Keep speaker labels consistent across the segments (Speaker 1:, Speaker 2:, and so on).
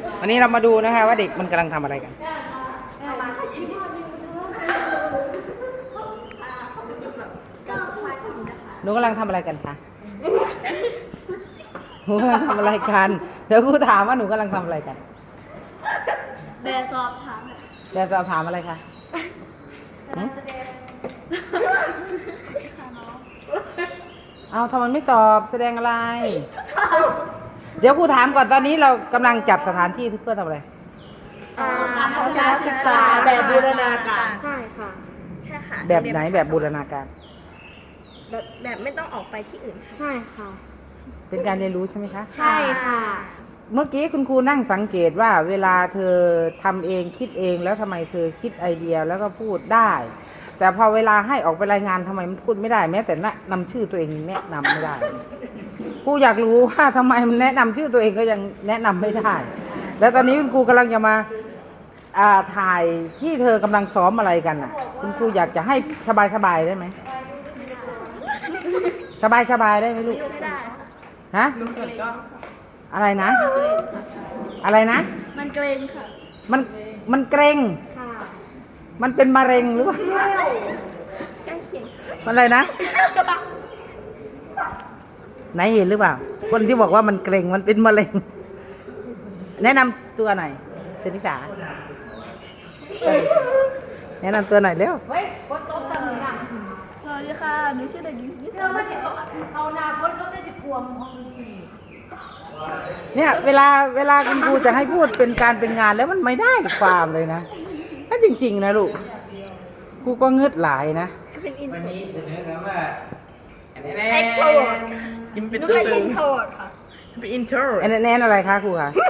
Speaker 1: วันนี้เรามาดูนะคะว่าเด็กมันกำลังทำอะไรกันหนูกำลังทำอะไรกันคะหนูกำลังทำอะไรกันเดี๋ยวครูถามว่าหนูกำลังทำอะไรกัน
Speaker 2: แบบสอบถาม
Speaker 1: แบบสอบถามอะไรคะเอาทำไมไม่ตอบแสดงอะไรเดี๋ยวครูถามก่อนตอนนี้เรากำลังจัดสถานที่เพื่อทำอะไร
Speaker 2: การศึกษาแบบบูรณาการใช่ค่ะ
Speaker 3: ใช่ค่ะ
Speaker 1: แบบไหนแบบบูรณาการ
Speaker 3: แบบไม่ต้องออกไปที่อื่น
Speaker 2: ใช่ค่ะ
Speaker 1: เป็นการเรียนรู้ใช่ไหมคะ
Speaker 2: ใช่ค่ะ
Speaker 1: เมื่อกี้คุณครูนั่งสังเกตว่าเวลาเธอทำเองคิดเองแล้วทำไมเธอคิดไอเดียแล้วก็พูดได้แต่พอเวลาให้ออกไปรายงานทำไมมันพูดไม่ได้แม้แต่นำชื่อตัวเองแนะนำไม่ได้ครูอยากรู้ว่าทำไมมันแนะนำชื่อตัวเองก็ยังแนะนำไม่ได้แล้วตอนนี้คุณครูกำลังจะมาถ่ายที่เธอกำลังซ้อมอะไรกันน่ะคุณครูอยากจะให้สบายๆได้ไหมสบายๆได้ไหมลูก
Speaker 2: ไม่ได้
Speaker 1: ฮะอะไรนะอะไรนะ
Speaker 2: มันเกรงค่ะ
Speaker 1: มันเกรงมันเป็นมะเร็งหรือเปล่าอะไรนะไหนเห็นหรือเปล่าคนที่บอกว่ามันเกรงมันเป็นมะเร็งแนะนำตัวหน่อยเซนิสาแนะนำตัวหน่อยเร็ว
Speaker 2: สวัสดีค่ะหนูชื่อเด็กหญิงนิสาเอาหน้าพ้นเขาจะกลัวมอง
Speaker 1: เนี่ยเวลาคุณครูจะให้พูดเป็นการเป็นงานแล้วมันไม่ได้ความเลยนะถ้าจริงๆนะลูกครูก็งึดหลายนะ
Speaker 3: วันนี้เสนอครับว่า
Speaker 2: extrovert
Speaker 3: กินเป็น
Speaker 2: หนู
Speaker 3: ตัว
Speaker 2: เป็น introvert ค่ะ
Speaker 3: เป็น introvert
Speaker 1: แน่นอะไรคะครูคะ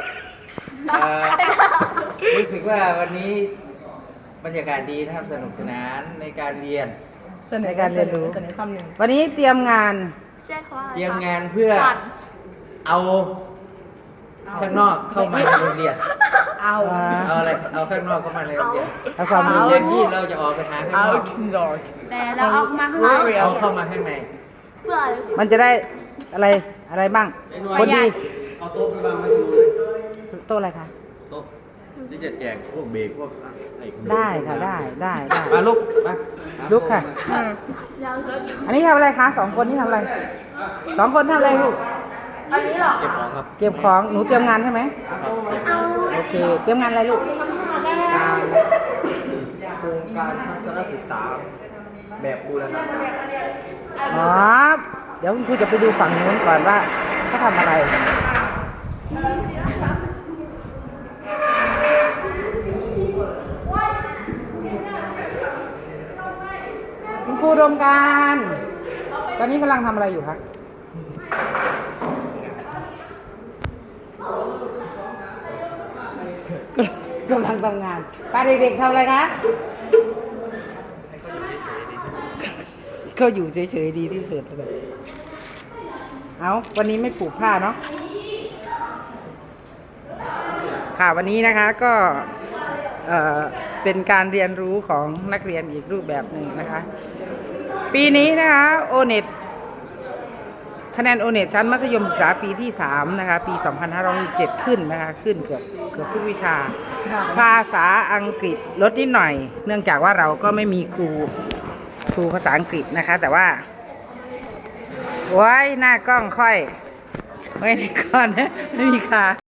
Speaker 3: รู้สึกว่าวันนี้บรรยากาศดีนะครับสนุกสนานในการเรียน
Speaker 1: ในการเรียนรู้วันนี้เตรียมงาน
Speaker 3: เตรียมงานเพื่อเอาข้างนอกเข้ามาในโรงเรียนเอาอะไรเอาข้างนอกเข้ามาในโรงเรียน
Speaker 1: เอาความรู้
Speaker 3: อย่างที่เราจะออกไปหาข้างนอก
Speaker 2: แต่เราออกมาข้างนอก
Speaker 3: เอาเข้ามาข้างใน
Speaker 2: เพื่อ
Speaker 1: มันจะได้อะไรบ้างคนดี
Speaker 3: เอาโต๊ะไปวางไว้ตรงนู้น
Speaker 1: โต๊ะอะไรคะ
Speaker 3: โต๊ะที่จะแจกพวกเบรกพวก
Speaker 1: ได้ค่ะได้
Speaker 3: มาลุกมา
Speaker 1: ลุกค่ะอันนี้ทำอะไรคะ2 คนนี่ทำอะไร2 คนทำอะไรลูก
Speaker 3: เก็บของครับ
Speaker 1: เก็บของหนูเตรียมงานใช่ไหมโอเคเตรียมงานอะไรลูก
Speaker 3: โครงการทัศนศึกษาแบบบูรณาการ
Speaker 1: อ๋อเดี๋ยวคุณครูจะไปดูฝั่งนู้นก่อนว่าเขาทำอะไรคุณครูดมการตอนนี้กำลังทำอะไรอยู่คะกำลังทำงานป้าเด็กๆทำอะไรคะก็อยู่เฉยๆดีที่สุดเลยเอาวันนี้ไม่ผูกผ้าเนาะค่ะวันนี้นะคะก็เป็นการเรียนรู้ของนักเรียนอีกรูปแบบหนึ่งนะคะปีนี้นะคะโอเน็ตคะแนนโอเน็ตชั้นมัธยมศึกษาปีที่3นะคะปี2567ขึ้นนะคะขึ้นเกือบทุกวิชาภาษาอังกฤษลดนิดหน่อยเนื่องจากว่าเราก็ไม่มีครูภาษาอังกฤษนะคะแต่ว่าโอ้ยหน้ากล้องค่อยไว้ในก่อนนะไม่มีค่ะ